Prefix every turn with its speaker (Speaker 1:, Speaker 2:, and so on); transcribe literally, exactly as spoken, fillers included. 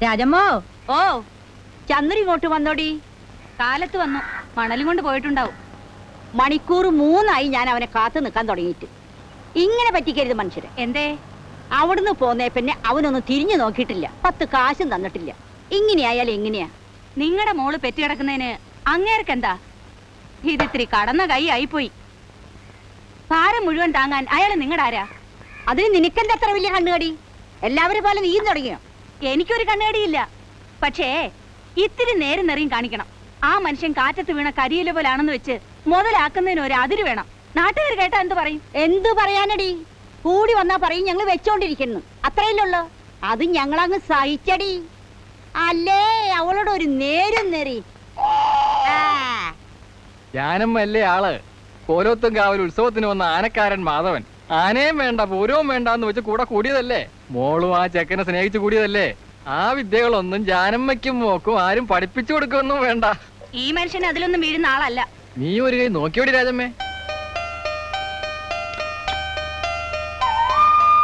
Speaker 1: രാജമ്മോ,
Speaker 2: ഓ
Speaker 1: ചന്ദ്ര ഇങ്ങോട്ട് വന്നോടി.
Speaker 2: കാലത്ത് വന്നു, മണലും കൊണ്ട് പോയിട്ടുണ്ടാവും.
Speaker 1: മണിക്കൂർ മൂന്നായി ഞാൻ അവനെ കാത്തു നിൽക്കാൻ തുടങ്ങിയിട്ട്. ഇങ്ങനെ പറ്റിക്കരുത് മനുഷ്യരെ.
Speaker 2: എന്തേ?
Speaker 1: അവിടുന്ന് പോന്നേ പിന്നെ അവനൊന്നും തിരിഞ്ഞു നോക്കിയിട്ടില്ല, പത്ത് കാശും തന്നിട്ടില്ല. ഇങ്ങനെയായാലും എങ്ങനെയാ?
Speaker 2: നിങ്ങളുടെ മോള് പെറ്റിക്കിടക്കുന്നതിന് അങ്ങേർക്കെന്താ? ഇതിത്തിരി കടന്ന കൈ ആയിപ്പോയി. ഭാരം മുഴുവൻ താങ്ങാൻ അയാള് നിങ്ങളുടെ ആരാ?
Speaker 1: അതിന് നിനക്കെന്താ അത്ര വലിയ കണ്ണുകടി? എല്ലാവരും പോലെ നീയും തുടങ്ങിയോ?
Speaker 2: എനിക്കൊരു കണ്ണുകടിയില്ല, പക്ഷേ ഇത്തിരി നേരം നെറിയും കാണിക്കണം. ആ മനുഷ്യൻ കാറ്റത്ത് വീണ കരിയില പോലാണെന്ന് വെച്ച് മുതലാക്കുന്നതിന് ഒരു അതിര് വേണം. നാട്ടുകാർ കേട്ടാ എന്ത് പറയും?
Speaker 1: എന്തു പറയാനടി? കൂടി വന്നാ പറയും ഞങ്ങൾ വെച്ചോണ്ടിരിക്കുന്നു, അത്രയല്ലുള്ളൂ. അത് ഞങ്ങളങ്ങ് സഹിച്ചടി. അല്ലേ അവളോട് ഒരു നേരും നെറി.
Speaker 3: ഞാനമ്മല്ലേ ആള്. കോലോത്തും കാവൽ ഉത്സവത്തിന് വന്ന ആനക്കാരൻ മാധവൻ ആനയും വേണ്ട പൂരവും വേണ്ട എന്ന് വെച്ച് കൂടെ കൂടിയതല്ലേ? മോളും ആ ചെക്കനെ സ്നേഹിച്ചു കൂടിയതല്ലേ? ആ വിദ്യകളൊന്നും ജാനമ്മയ്ക്കും മോക്കും ആരും പഠിപ്പിച്ചു കൊടുക്കൊന്നും വേണ്ട.
Speaker 2: ഈ മനുഷ്യൻ അതിലൊന്നും വീഴുന്ന ആളല്ല.
Speaker 3: നീ ഒരു കൈ നോക്കിയോടി രാജമ്മേ.